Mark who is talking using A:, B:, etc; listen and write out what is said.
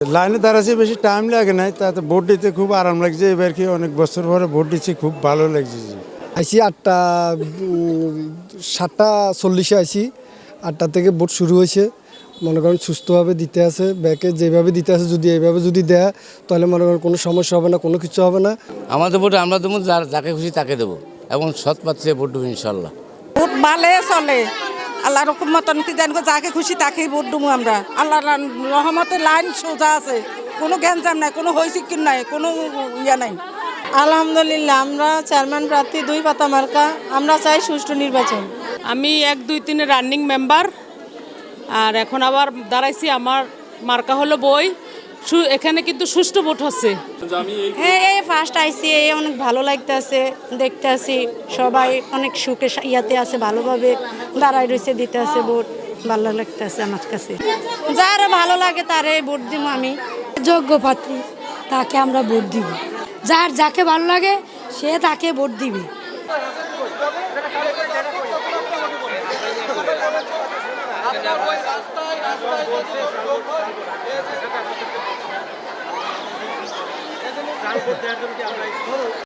A: লাইনে দাঁড়াচ্ছে, বেশি টাইম লাগে নাই, তাতে ভোট দিতে খুব আরাম লাগছে। এবার কি অনেক বছর পরে ভোট দিচ্ছি, খুব ভালো লাগছে।
B: আইসি 7:40 আইসি, 8টা থেকে ভোট শুরু হয়েছে। মনে করেন সুস্থভাবে দিতে আছে, ব্যাকে যেভাবে দিতে আছে যদি এইভাবে যদি দেয় তাহলে মনে করেন কোনো সমস্যা হবে না, কোনো কিছু হবে না।
C: আমাদের ভোট আমরা দেবো, যাকে খুশি তাকে দেবো এবং সৎ পাচ্ছে ভোট দেবো ইনশাল্লাহ।
D: ভোট ভালো চলে, আল্লাহ রকম মতন কি জানবো, যাকে খুশি তাকেই ভোট দেবো আমরা। আল্লাহ রহমতের লাইন সোজা আছে, কোনো গ্যাঞ্জাম নাই, কোনো হইচিকির নাই, কোনো ইয়া নাই।
E: আলহামদুলিল্লাহ, আমরা চেয়ারম্যান প্রার্থী 2 পাতা মার্কা। আমরা চাই সুষ্ঠু নির্বাচন।
F: আমি 1, 2, 3 রানিং মেম্বার, আর এখন আবার দাঁড়াইছি। আমার মার্কা হলো বই। এখানে কিন্তু সুষ্ঠু ভোট হচ্ছে।
E: এই ফার্স্ট আইসি, অনেক ভালো লাগতেছে, দেখতে আসি সবাই অনেক সুখে ইয়াতে আছে, ভালোভাবে দাঁড়াই রয়েছে, দিতে আছে ভোট। ভালো লাগতেছে আমার কাছে, যারা ভালো লাগে তারে ভোট দিব। আমি
G: যোগ্য প্রার্থী তাকে আমরা ভোট দিব, যাকে ভালো লাগে সে তাকে ভোট দিবে।